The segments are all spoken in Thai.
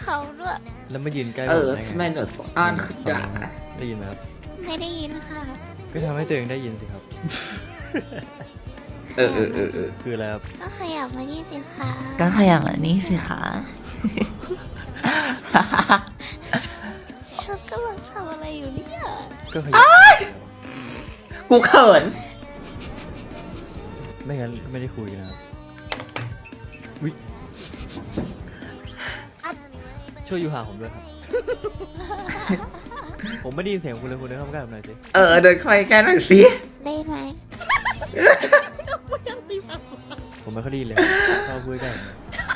เขาด้วยแล้วมายืนใกล้ผมได้ทำไมไงหนูอ่านขึ้นด่าได้ยินไหมครับไม่ได้ยินค่ะก็ทำให้ตัวเองได้ยินสิครับ คืออะไรครับก็ขยับมานี่สิคะก็ขยับแบบนี้สิคะฉันกำลังทำอะไรอยู่เนี่ยก็ขยับกูเขินไม่งั้นก็ไม่ได้คุยนะครับวิช่วยอยู่ห่างผมด้วยครับ ผมไม่ได้ยินเสียงคุณเลยคุณเดินเข้ามาใกล้ผมหน่อยสิเดินเข้าไปใกล้หน่อยสิได้ไหมผมไม่ค่อยได้ยินเลยเข้าพูดใกล้ผม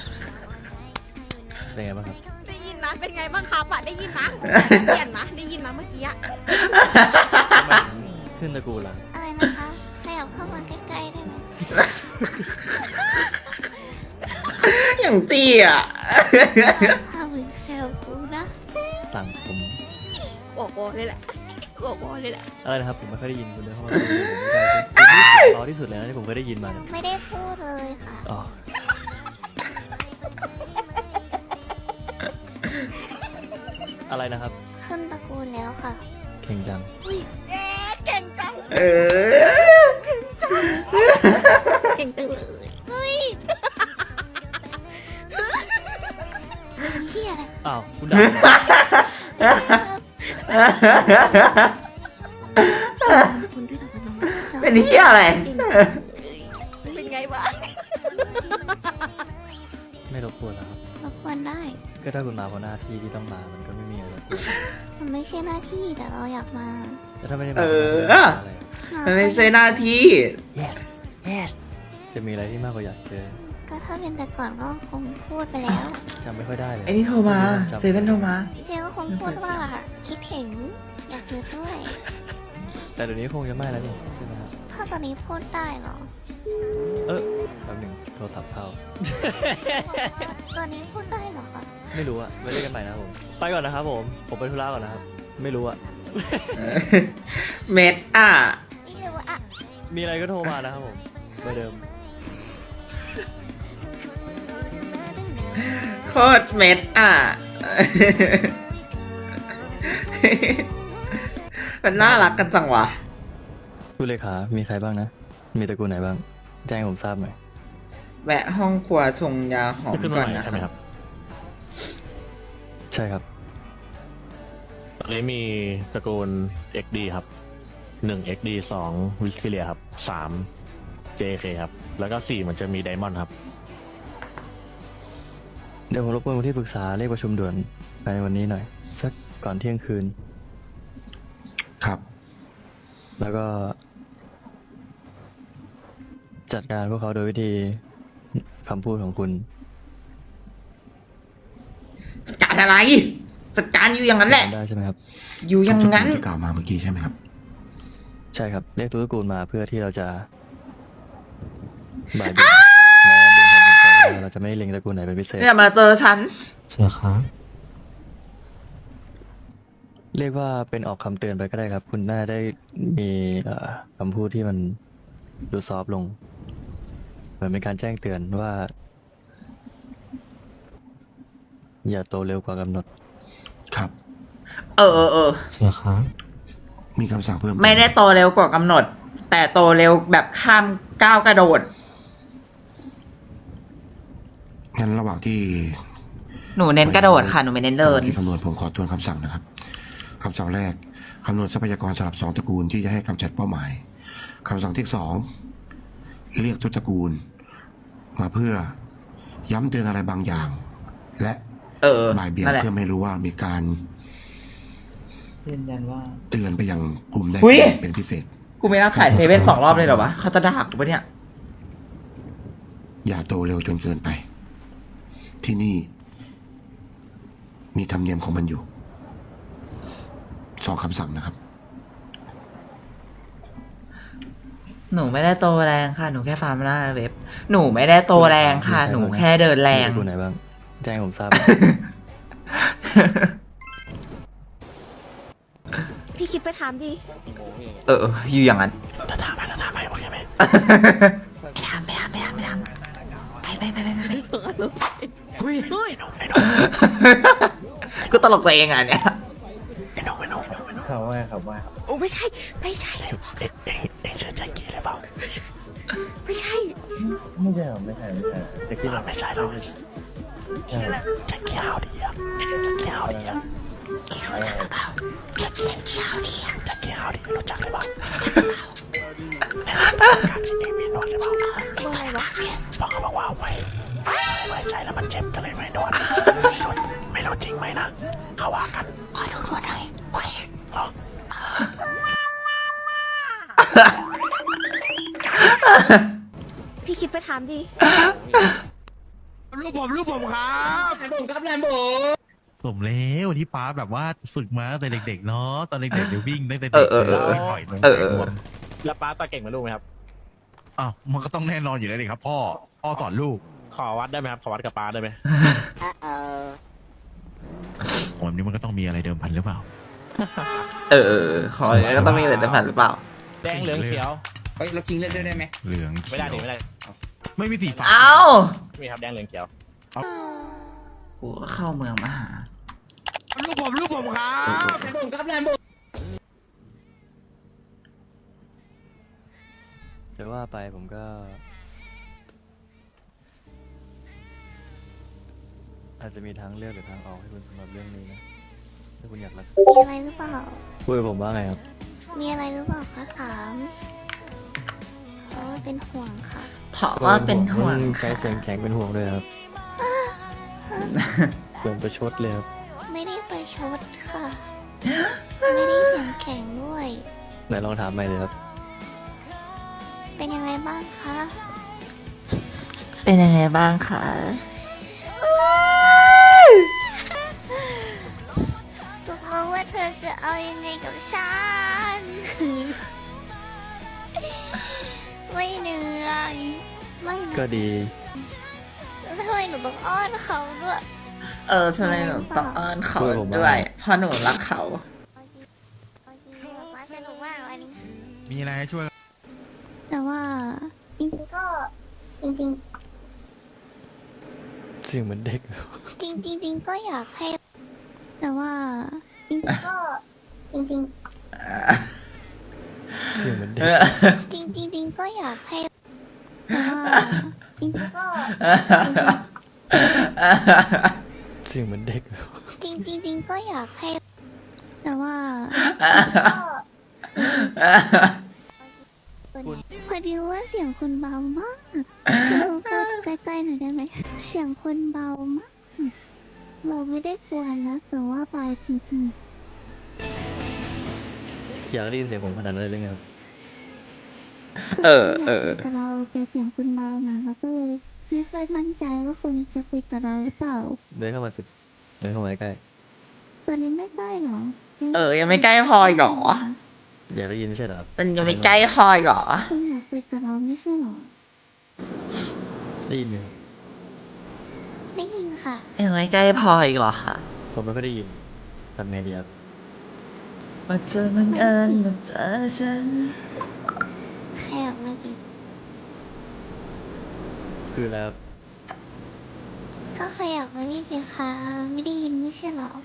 เป็นไงบ้างครับได้ยินนะเป็นไงบ้างครับอะได้ยินนะเปลี่ยนนะได้ยินนะเมื่อกี้อะทำไมถึงขึ้นตระกูลล่ะอะไรนะคะขยับเข้ามาใกล้ๆได้ไหมอย่างจี้อ่ะถ้ามึงแซวกูนะสั่งผมบอกวอเลยแหละบอกวอเลยแหละอะไรนะครับผมไม่ค่อยได้ยินคุณเดินเข้ามาคุยผมไม่ได้สิคุณนี่เสียงเพราะที่สุดแล้วที่ผมเคยได้ยินมาเนี่ยไม่ได้พูดเลยค่ะอ๋ออะไรนะครับขึ้นตระกูลแล้วค่ะเก่งจังเก่งจังเก่งจังเลยเฮ้ยเฮียอะไรอ้าวคุณด่าผมคุณด้วยนะน้องเป็นเหี้ยอะไรเป็นไงบ้างไม่รบกวนแล้วครับรบกวนได้ก็ถ้าคุณมาเพราะหน้าที่ที่ต้องมามันก็ไม่มีอะไรรบกวนมันไม่ใช่หน้าที่แต่เราอยากมาแต่ถ้าไม่ได้มาเอออะไรอะมันไม่ใช่หน้าที่ yes yes จะมีอะไรที่มากกว่าอยากเจอก็ถ้าเป็นแต่ก่อนก็คงพูดไปแล้วจำไม่ค่อยได้เลยไอ้นี่โทรมาจำเซเว่นโทรมาเจ๊ก็คงพูดว่าคิดถึงอยากอยู่ด้วยแต่เดี๋ยวนี้คงจะไม่แล้วนี่ใช่ไหมครับถ้าตอนนี้พูดได้เหรอแป๊บหนึ่งโทรศัพท์เข้าตอนนี้พูดได้เหรอคะไม่รู้อะไว้เล่นกันใหม่นะครับผม ไปก่อนนะครับผม ผมไปธุระก่อนนะครับ ไม่รู้อะเม็ดอ่ะไม่รู้อะมีอะไรก็โทรมานะครับผมเบอร์เดิมโคตรเม็ดอ่ะ มันน่ารักกันจังวะคุณเลขา มีใครบ้างนะ มีตระกูลไหนบ้าง แจ้งให้ผมทราบหน่อยแวะห้องครัวชงยาหอมก่อนนะครับใช่ครับตอนนี้มีตระกูล XD ครับ1 XD 2 วิสคิเลียครับ3 JK ครับ แล้วก็ 4 มันจะมีไดมอนด์ครับเดี๋ยวผมรบกวนผู้ที่ปรึกษาเรียกประชุมด่วนภายในวันนี้หน่อย สักก่อนเที่ยงคืนครับแล้วก็ จัดการพวกเขาโดยวิธีคำพูดของคุณจัดการอะไรจัดการอยู่อย่างนั้นแหละได้ใช่ไหมครับอยู่อย่างนั้นที่กล่าวมาเมื่อกี้ใช่ไหมครับใช่ครับ เรียกตัวตระกูลมาเพื่อที่เราจะบ่ายเบี่ยงนะครับเบี่ยงความสนใจเราจะไม่เล็งตระกูลไหนเป็นพิเศษเนี่ยมาเจอฉันเชื่อครับเรียกว่าเป็นออกคำเตือนไปก็ได้ครับ คุณน่าได้มีคำพูดที่มันดูซอฟต์ลงเหมือนเป็นการแจ้งเตือนว่า อย่าโตเร็วกว่ากำหนดครับเออเชื่อครับมีคำสั่งเพิ่มไม่ได้โตเร็วกว่ากำหนด แต่โตเร็วแบบข้ามก้าวกระโดดงั้นระหว่างที่หนูเน้นกระโดดค่ะ หนูไม่เน้นเดินที่คำนวณผมขอทวนคำสั่งนะครับคำสั่งแรกคำนวณทรัพยากรสำหรับ2 ตระกูลที่จะให้กำจัดเป้าหมายคำสั่งที่ 2 เรียกทุกตระกูล มาเพื่อย้ำเตือนอะไรบางอย่าง และ บ่ายเบี่ยงนั่นแหละเพื่อไม่รู้ว่ามีการยืนยันว่าเตือนไปยังกลุ่มใดอุ๊ยเป็นพิเศษกูไม่รับสายเซเว่น2 รอบเลยเหรอวะ เขาจะด่ากูปะเนี่ยอย่าโตเร็วจนเกินไป ที่นี่ มีธรรมเนียมของมันอยู่2 คำสั่งนะครับหนูไม่ได้โตแรงค่ะ หนูแค่ฟาร์มหน้าเว็บ หนูไม่ได้โตแรงค่ะ หนูแค่เดินแรงมีตระกูลไหนบ้าง แจ้งให้ผมทราบพี่คิดไปถามดิอยู่อย่างนั้นถามไปโอเคไหมไปทำไปไปเฮ้ยไอ้หนุ่มก็ตลกตัวเองอ่ะเนี่ยเขาว่าครับว่าโอ้ไม่ใช่ไม่ใช่เอ็งเชื่อใจกี้หรือเปล่าไม่ใช่ไม่ใช่หรอไม่ใช่จะกี้ไม่ใช่หรอกใช่จะกี้เอาดีอ่ะจะกี้เอาดีอ่ะจะกี้เอาดีรู้จักหรือเปล่าการที่เอ็งมีนวดหรือเปล่าอะไรวะเพราะเขาบอกว่าไว้ใจแล้วมันเจ็บก็เลยไม่นวดไม่รู้จริงไหมนะเขาว่ากันคอยดูนวดหน่อยหรอพี่คิดไปถามดิลูกผมครับสมแล้วที่ป้าแบบว่าฝึกมาตั้งแต่เด็กๆเนาะตอนเด็กๆเดี๋ยววิ่งตั้งแต่เด็กเลยปล่อยนมรวมแล้วป้าต่อเก่งเหมือนลูกไหมครับอ้าวมันก็ต้องแน่นอนอยู่แล้วดิครับพ่อสอนลูกขอวัดได้ไหมครับ ขอวัดกับป้าได้ไหมผมนี้มันก็ต้องมีอะไรเดิมพันหรือเปล่าขอก็ต้องมีอะไรได้ผ่านหรือเปล่าแดงเหลืองเขียวเฮ้ยเราคิงเลือกได้ไหมเหลืองไม่ได้ดิไม่ได้ไม่มีสีฟ้าเอ้ามีครับแดงเหลืองเขียวกูก็เข้าเมืองมาหาลูกผมครับจะว่าไปผมก็ อาจจะมีทางเลือกหรือทางออกให้คุณสำหรับเรื่องนี้นะถ้าคุณอยากรักมีอะไรหรือเปล่าพูดกับผมว่าไงครับมีอะไรหรือเปล่าคะถามเพราะว่าเป็นห่วงค่ะเพราะว่าเป็นห่วงใช้เสียงแข็งเป็นห่วงด้วยครับเหมือนประชดเลยครับไม่ได้ไปชดค่ะ ไม่ได้เสียงแข็งด้วยไหนลองถามใหม่เลยครับเป็นยังไงบ้างคะเป็นยังไงบ้างคะตกลงว่าเธอจะเอายังไงกับฉัน ไม่เหนื่อยไม่เหนื่ก็อยดีทำไมหนูต้องอ้อนเขาด้วยทำไมหนูต้องอ้อนเขาด้วยเพราะหนูรักเขาโอเคมาสนุกมากวันนี้มีอะไรให้ช่วยแต่ว่าจริงๆก็จริงเสียงเหมือนเด็กๆจริงๆก็อยากให้ แต่ว่าจริงๆก็จริงเสียงเหมือนเด็กๆจริงๆก็อยากให้ แต่ว่าจริงๆก็เสียงเหมือนเด็กจริงๆก็อยากให้ แต่ว่าพอดีว่าเสียงคุณเบามากเราพูดใกล้ๆหน่อยได้ไหมเสียงคุณเบามากเราไม่ได้กวนนะแต่ว่าเบาจริงๆอยากได้ยินเสียงผมขนาดนั้นเลยหรือไงครับแต่เราจะเสียงคุณเบานะเราก็เลยไม่ค่อยมั่นใจว่าคุณจะคุยกับเราหรือเปล่าเดินเข้ามาสิเดินเข้ามาใกล้ตอนนี้ไม่ใกล้หรอยังไม่ใกล้พออีกเหรออยากได้ยินไม่ใช่เหรอครับมันยังไม่ใกล้พออีกเหรอคุณอยากคุยกับเราไม่ใช่หรอได้ยินไหมครับได้ยินค่ะยังไม่ใกล้พออีกเหรอคะผมไม่ค่อยได้ยินทำไงดีครับว่าเธอบังเอิญมาเจอฉันแค่อยากมากินคือแล้วก็ขยับมานี่สิคะไม่ได้ยินไม่ใช่หรอ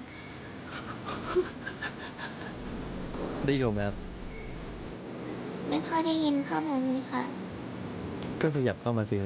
ได้ยินผมไหมครับไม่ค่อยได้ยินเท่าไหร่เลยค่ะก็ขยับเข้ามาสิครับ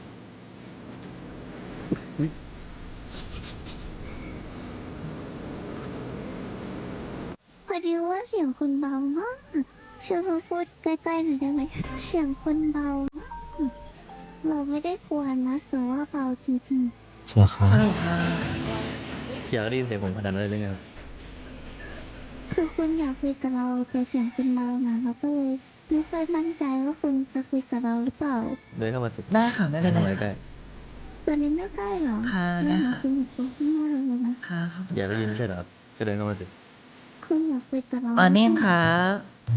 พอดีว่าเสียงคุณเบามากช่วยมาพูดใกล้ๆหน่อยได้ไหมเสียงคุณเบามากเราไม่ได้กวนนะแต่ว่าเบาจริงๆสวัสดีครับฮัลโหลค่ะอยากได้ยินเสียงผมขนาดนั้นเลยหรือไงครับคือคุณอยากคุยกับเราแต่เสียงคุณเบานะเราก็เลยไม่ค่อยมั่นใจว่าคุณจะคุยกับเราหรือเปล่าเดินเข้ามาสิได้ค่ะไม่เป็นไรดิข้ามาใกค่ะล้ตอนนี้ไม่ใกล้หรอค่ะได้ได้ค่ะค่ะคุณอยู่ตรงข้างหน้าเลยนะค่ะครับอยากได้ยินไม่ใช่เหรอครับก็เดินเข้ามาสิคุณอยากคุยกับเราวันนี้ครับ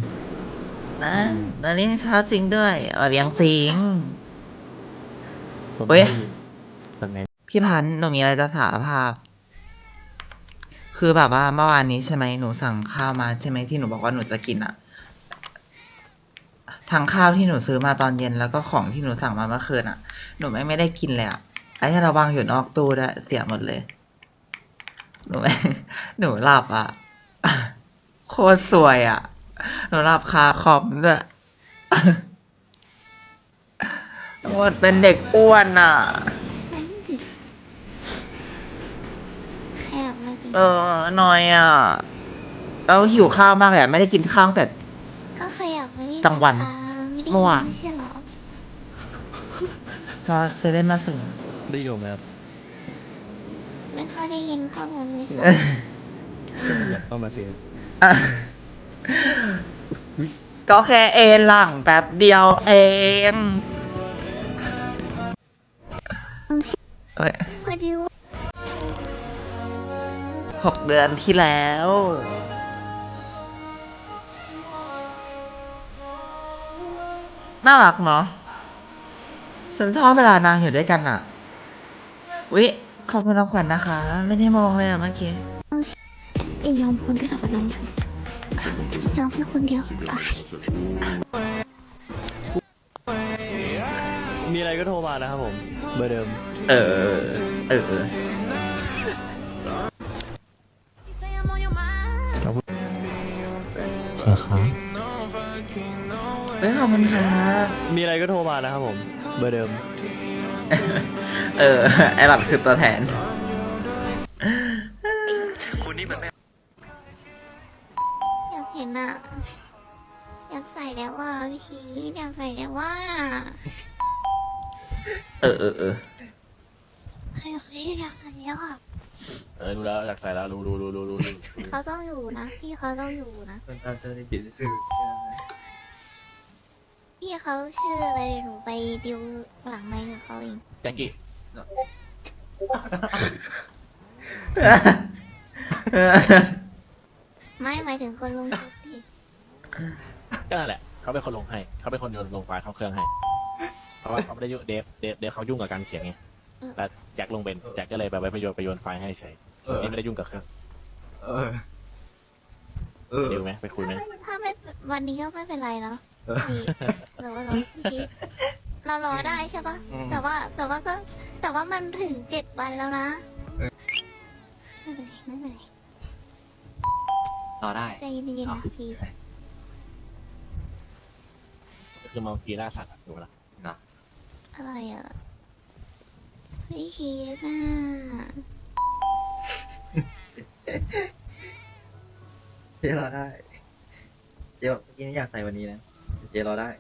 วันนี้เช้าจริงด้วยวันเลี้ยงจริงผมเฮ้ยได้ยินทำไงพี่พันธุ์หนูมีอะไรจะสารภาพ คือแบบว่าเมื่อวานนี้ใช่ไหมหนูสั่งข้าวมาใช่ไหมที่หนูบอกว่าหนูจะกินอะทั้งข้าวที่หนูซื้อมาตอนเย็นแล้วก็ของที่หนูสั่งมาเมื่อคืนอะหนูไม่ได้กินเลยอะไอ้ที่เราวางอยู่นอกตู้ด้วยเสียหมดเลยหนูหนูหลับอ่ะ โคตรสวยอ่ะ หนูหลับคาคอมด้วย หมดเป็นเด็กอ้วนอ่ะนั่นสิแค่มากินหน่อยอ่ะ แล้วหิวข้าวมากเลยอะไม่ได้กินข้าวตั้งแต่ก็ใครอยากไปกลางวันไม่ได้เมื่อวานไม่ใช่เหรอรอเซเว่นมาส่งได้อยู่ไหมครับไม่ค่อยได้ยินข้อมูลเลยสิอยากเข้ามาเสียอ่ะก็แค่เอนหลังแป๊บเดียวเอง เอ้ยพอดีว่า 6 เดือนที่แล้ว น่ารักเนาะฉันชอบเวลานางอยู่ด้วยกันอ่ะ วิขอบคุณน้องขวัญนะคะ ไม่ได้มองเลยอ่ะเมื่อกี้เองยอมคนด้วยกับน้องฉันยอมแค่คนเดียวมีอะไรก็โทรมานะครับผม เบอร์เดิมเออใช่ครับเอ้ยขอบคุณครับมีอะไรก็โทรมานะครับผม เบอร์เดิมไอหลังคือตัวแทนอยากเห็นอ่ะ อยากใส่แล้วว่าพี่ชีอยากใส่แล้วว่าเอออยากใส่แล้วอ่ะรู้แล้วอยากใส่แล้วรู้เขาต้องอยู่นะ พี่เขาต้องอยู่นะคนตามเจอในปิดสื่อพี่เขาชื่ออะไรเดี๋ยวหนูไปดิวหลังไมค์กับเขาเองแจ็คกี้ไม่หมายถึงคนลงทุนดิก็นั่นแหละเขาเป็นคนลงให้เขาเป็นคนโยนลงไฟล์เข้าเครื่องให้เพราะว่าเขาไม่ได้ยุ่งเดฟเขายุ่งกับการเขียนไงแล้วแจ็คลงเป็นแจ็คก็เลยแบบไปโยนไฟล์ให้เฉยนี่ไม่ได้ยุ่งกับเครื่องดิวไหมไปคุยไหมถ้าไม่วันนี้ก็ไม่เป็นไรเนาะพี่หรือว่าเราพี่เรารอได้ใช่ปะแต่ว่ามันถึง7 วันแล้วนะไม่เป็นไรรอได้ใจเย็นๆนะพี่คือมองกีหน้าสัตว์ถูกไหมล่ะอะไรอ่ะพี่คิดน่ะเจรอได้ เดี๋ยวเมื่อกี้นี่อยากใส่วันนี้นะ เจรอได้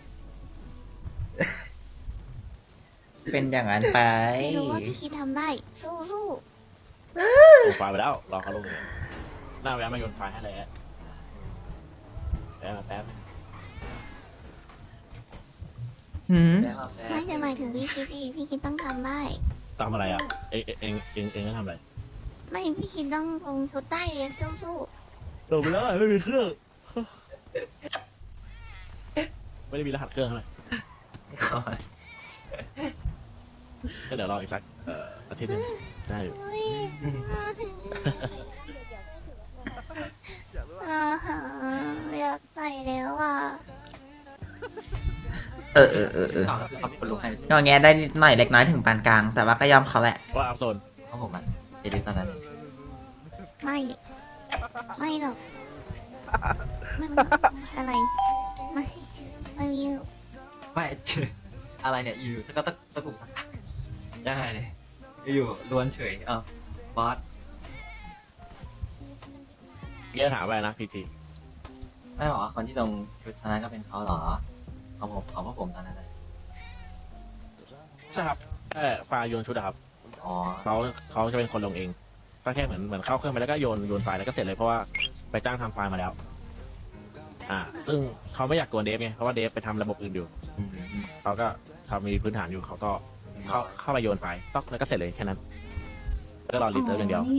เป็นอย่างนั้นไปไม่รู้ว่าพี่คิดทำได้ สู้ลงไฟล์ไปแล้วรอเขาลงเลยหน้าแวะมาโยนไฟล์ให้เลยแป๊บหืมๆไม่จะหมายถึงพี่คิดต้องทำได้ทำอะไรอ่ะเองก็ทำอะไรไม่พี่คิดต้องลงชุดได้เลยสู้ลงไปแล้วไม่มีเครื่องไม่ได้มีรหัสเครื่องเลยก็เดี๋ยวรออีกสักอาทิตย์หนึงได้อยู่ๆเฮ้ยอยากใส่แล้วอ่ะงอแงได้นิดหน่อยเล็กน้อยถึงปานกลาง แต่ว่าก็ยอมเขาแหละว่าอัพโซนของผมอ่ะเจลิสตอนนั้นไม่หรอกมันอะไรไม่มีไม่ อะไรเนี่ย อยู่ก็ตะกุกได้เลยอยู่ล้วนเฉยบอสเกี้ยถามไปนะพีทีไม่หรอคนที่ลงชุดตอนนั้นก็เป็นเขาหรอของพวกผมตอนนั้นเลยใช่ครับแค่ไฟล์โยนชุดอะครับอ๋อเขาจะเป็นคนลงเองก็แค่เหมือนเข้าเครื่องไปแล้วก็โยนไฟล์แล้วก็เสร็จเลยเพราะว่าไปจ้างทำไฟล์มาแล้ว ซึ่งเขาไม่อยากกวนเดฟไงเพราะว่าเดฟไปทำระบบอื่นอยู่เขาก็เขามีพื้นฐานอยู่เขาก็เข้าไปโยนไฟล์ต๊อกแล้วก็เสร็จเลยแค่นั้นแล้วก็รอรีเซิร์ฟอย่างเดียว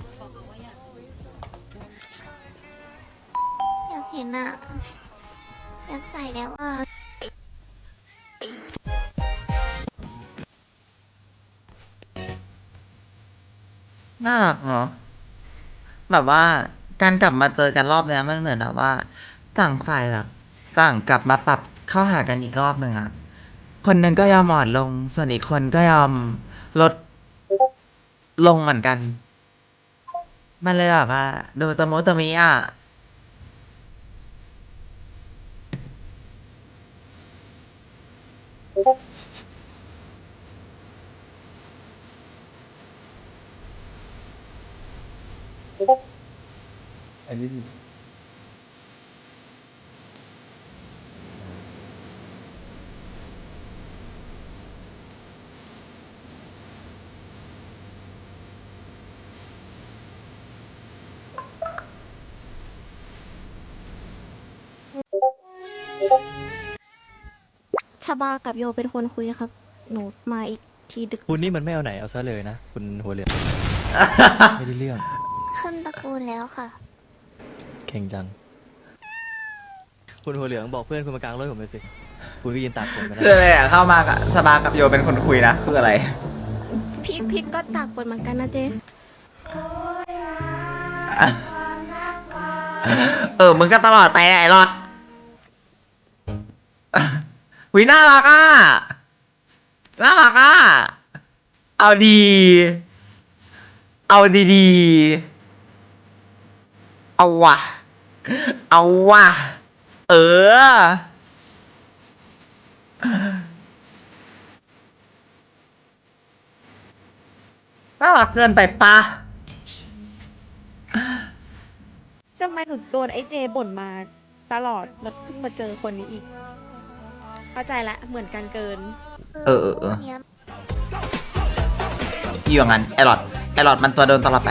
อยากเห็นอ่ะ อยากใส่แล้วอ่ะน่ารักเนาะแบบว่าการกลับมาเจอกันรอบเนี้ยมันเหมือนแบบว่า ต่างฝ่ายแบบต่างกลับมาปรับเข้าหากันอีกรอบหนึ่งอะคนหนึ่งก็ยอมอ่อนลง ส่วนอีกคนก็ยอมลดลงเหมือนกันมันเลยแบบว่าดูตะมุตะมิอ่ะชาบากับโยเป็นคนคุยครับ หนูมาอีกทีดึกคุณนี่มันไม่เอาไหนเอาซะเลยนะ คุณหัวเหลือง ไม่ได้เรื่องขึ้นตระกูลแล้วค่ะเก่งจัง คุณหัวเหลืองบอกเพื่อนคุณมากลางรถผมเลยสิ คุณก็ยืนตากฝนกันคืออะไรอ่ะเข้ามากับสบากับโยเป็นคนคุยนะคืออะไรพี่ก็ตากฝนเหมือนกันนะเจ๊มึงก็ตลอดไปแหละไอ้รอดวิน่ารักอ่ะ น่ารักอ่ะ เอาดี เอาดีๆ เอาว่ะ เอาว่ะ น่ารักเกินไปปะทำไมหนูโดนไอ้เจบ่นมาตลอดแล้วเพิ่งมาเจอคนนี้อีก เข้าใจละเหมือนกันเกินอยู่อย่างนั้นไอรอดมันตัวโดนตลอดไป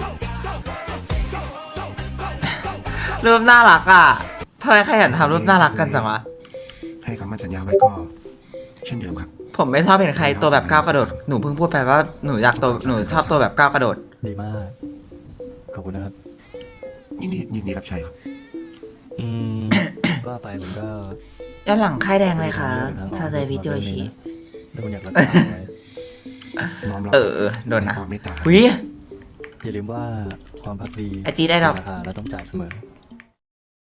รูปน่ารักอ่ะทำไมใครเห็นทำรูปน่ารักกันจังวะให้คำมั่นสัญญาไว้ก็ เช่นเดิมครับผมไม่ชอบเห็นใครตัวแบบก้าวกระโดด หนูเพิ่งพูดไปว่าหนูชอบตัวแบบก้าวกระโดดดีมาก ขอบคุณนะครับยินดีรับใช้ครับอืม ว่าไปผมก็ย้อนหลังค่ายแดงเลยค่ะซาเดวิโดชิถ้าคุณอยากรักษาไว้น้อมรับโดนนะความเมตตาวิอย่าลืมว่าความพักดีไอจีได้ดอกราคาเราต้องจ่ายเสมอ